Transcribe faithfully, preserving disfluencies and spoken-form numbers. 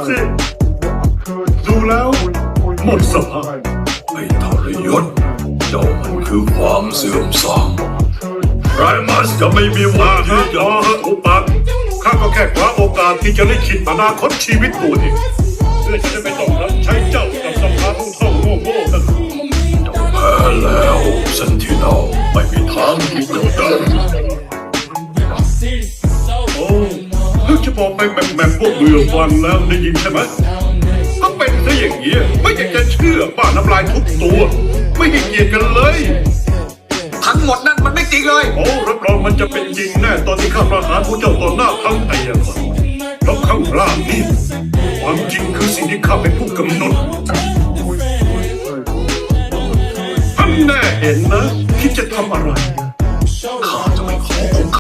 สิดูแล้วหมดสภาพไอ้ทรยศเจ้ามันคือความเสื่อมทรามไรมัสจะไม่มีวันที่ที่จะจะอุปปักข้าก็แค่คว้าโอกาสที่จะได้คิดอนาคตชีวิตตัวเองเพื่อจะได้ไม่ต้องรับใช้เจ้ากับสภาผู้ท่องโง่โง่นั่นเจ้าแพ้แล้วเซนติเนลไม่มีทางที่จะได้โอ้เพิ่งจะบอกไปแบบแบบพวกเบื่อฟังแล้วได้ยินใช่ไหมก็เป็นซะอย่างนี้ไม่อยากจะเชื่อบ้าน้ำลายทุกตัว ไม่ให้เกียรติกันเลยทั้งหมดนั่นมันไม่จริงเลยโอ้รับรองมันจะเป็นจริงแน่ตอนที่ข้าประหารผู้เจ้าต่อหน้าทั้งไอ้ยคนเพราะข้างล่างนี่ความจริงคือสิ่งที่ข้าเป็นผู้กำหนดท่านแน่เห็นนะคิดจะทำอะไร